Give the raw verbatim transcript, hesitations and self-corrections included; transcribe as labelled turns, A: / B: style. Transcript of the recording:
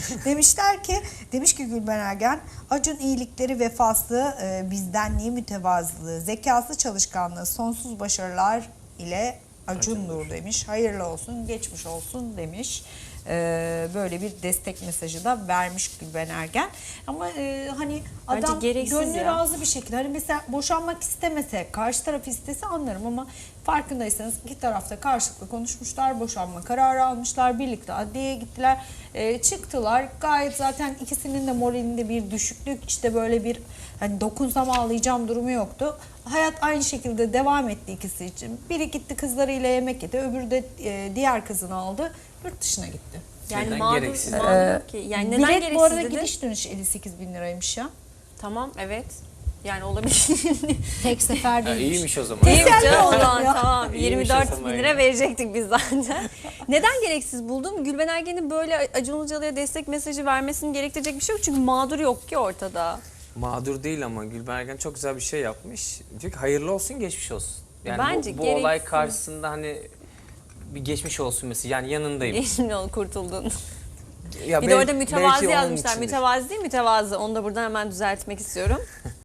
A: Demişler ki, demiş ki Gülben Ergen, Acun iyilikleri, vefası, e, bizdenliği, mütevazılığı, zekası, çalışkanlığı, sonsuz başarılar ile Acun'dur demiş. Hayırlı olsun, geçmiş olsun demiş. Ee, böyle bir destek mesajı da vermiş Gülben Ergen. Ama e, hani
B: Bence
A: adam
B: gereksiz
A: gönlü
B: ya.
A: razı bir şekilde, hani mesela boşanmak istemese, karşı taraf istese anlarım ama farkındaysanız iki tarafta karşılıklı konuşmuşlar, boşanma kararı almışlar, birlikte adliyeye gittiler, e, çıktılar. Gayet zaten ikisinin de moralinde bir düşüklük, işte böyle bir hani dokunsam ağlayacağım durumu yoktu. Hayat aynı şekilde devam etti ikisi için. Biri gitti kızlarıyla yemek yedi, öbürü de e, diğer kızını aldı, yurt dışına gitti.
B: Yani
C: Neden
B: mağdur,
C: gereksiz?
B: mağdur ki. Yani neden
A: Bilet
B: gereksiz
A: bu arada
B: dedin?
A: gidiş dönüş elli sekiz bin liraymış ya.
B: Tamam, evet. Yani olabilir.
A: Tek sefer
C: Ya
A: değilmiş.
C: iyiymiş o zaman.
B: İyi
A: Teselli
B: canım, o
A: oldu
B: zaman
A: ya.
B: tamam.
C: İyiymiş
B: yirmi dört
C: o
B: bin
C: zaman
B: lira
C: ya.
B: verecektik biz zaten. Neden gereksiz buldum? Gülben Ergen'in böyle Acun Ilıcalı'ya destek mesajı vermesini gerektirecek bir şey yok. Çünkü mağdur yok ki ortada.
C: Mağdur değil ama Gülben Ergen çok güzel bir şey yapmış. Diyor ki hayırlı olsun, geçmiş olsun. Yani
B: Bence
C: bu, bu olay
B: gereksiz.
C: karşısında hani bir geçmiş olsun mesela, yani yanındayım.
B: Geçmiş ol, kurtuldun.
C: Ya
B: Bir
C: bel-
B: de orada mütevazi
C: belki onun
B: yazmışlar.
C: içindir.
B: Mütevazi değil, mütevazı. Onu da buradan hemen düzeltmek istiyorum.